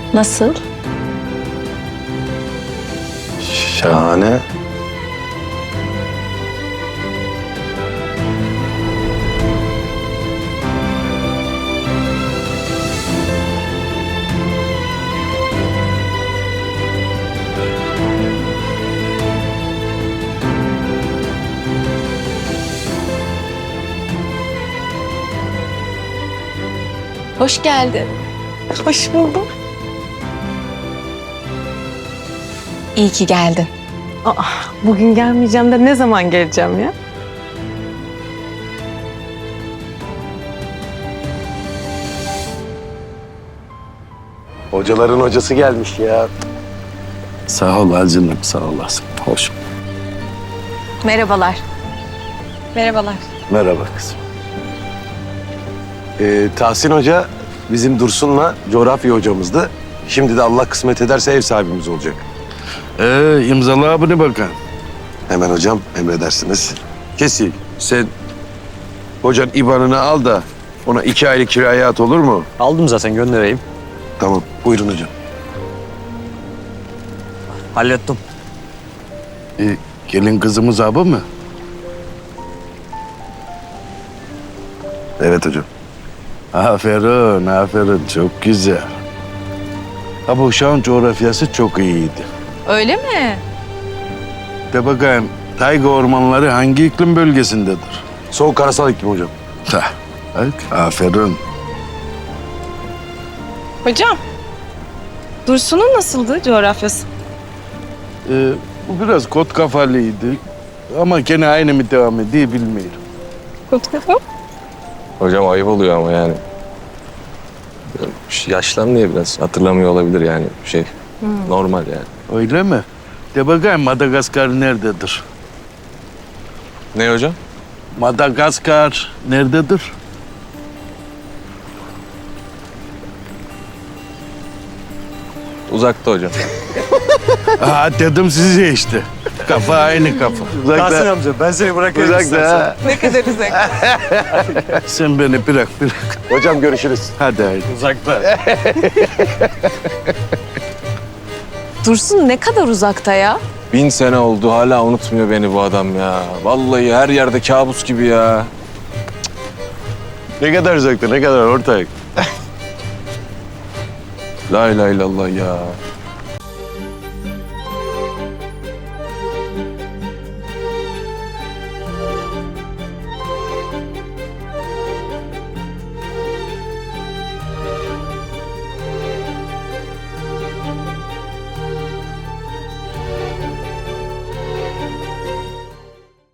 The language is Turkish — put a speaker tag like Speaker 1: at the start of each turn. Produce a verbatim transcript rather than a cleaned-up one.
Speaker 1: Nasıl?
Speaker 2: Şahane.
Speaker 1: Hoş geldin.
Speaker 3: Hoş buldum.
Speaker 1: İyi ki geldin.
Speaker 3: Aa, bugün gelmeyeceğim de ne zaman geleceğim ya?
Speaker 2: Hocaların hocası gelmiş ya.
Speaker 4: Sağ ol Acınım, sağ olasın. Hoş.
Speaker 1: Merhabalar. Merhabalar.
Speaker 2: Merhaba kızım. Ee, Tahsin Hoca bizim Dursun'la coğrafya hocamızdı. Şimdi de Allah kısmet ederse ev sahibimiz olacak.
Speaker 4: Ee, imzala bunu bakalım.
Speaker 2: Hemen hocam emredersiniz. Kesil. Sen hocanın ibanını al da ona iki aylık kiraya at, olur mu?
Speaker 5: Aldım zaten, göndereyim.
Speaker 2: Tamam. Buyurun hocam.
Speaker 5: Hallettim.
Speaker 4: Ee, gelin kızımız abi mı?
Speaker 2: Evet hocam.
Speaker 4: Aferin, aferin. Çok güzel. Ha, bu uşağın coğrafyası çok iyiydi.
Speaker 1: Öyle mi?
Speaker 4: De bakayım, tayga ormanları hangi iklim bölgesindedir?
Speaker 2: Soğuk karasal iklim hocam.
Speaker 4: Hah, bak, aferin.
Speaker 3: Hocam, Dursun'un nasıldı coğrafyası?
Speaker 4: Ee, bu biraz kot kafalıydı. Ama gene aynı mı devam ediyor bilmiyorum.
Speaker 6: Hocam ayıp oluyor ama yani. Yaşlanmıyor biraz. Hatırlamıyor olabilir yani şey. Normal yani.
Speaker 4: Öyle mi? De bakayım, Madagaskar nerededir?
Speaker 6: Ne hocam?
Speaker 4: Madagaskar nerededir?
Speaker 6: Uzakta hocam.
Speaker 4: Aa, dedim size işte. Kafa aynı kafa.
Speaker 5: Tahsin amca, ben seni bırakayım
Speaker 2: Uzakta.
Speaker 5: istersen.
Speaker 3: Ne kadar uzak.
Speaker 4: Sen beni bırak bırak.
Speaker 2: Hocam görüşürüz.
Speaker 4: Hadi haydi.
Speaker 5: Uzakta.
Speaker 1: Dursun ne kadar uzakta ya?
Speaker 6: Bin sene oldu hala unutmuyor beni bu adam ya. Vallahi her yerde kabus gibi ya.
Speaker 2: Ne kadar uzakta, ne kadar ortak.
Speaker 6: La ilahe illallah ya.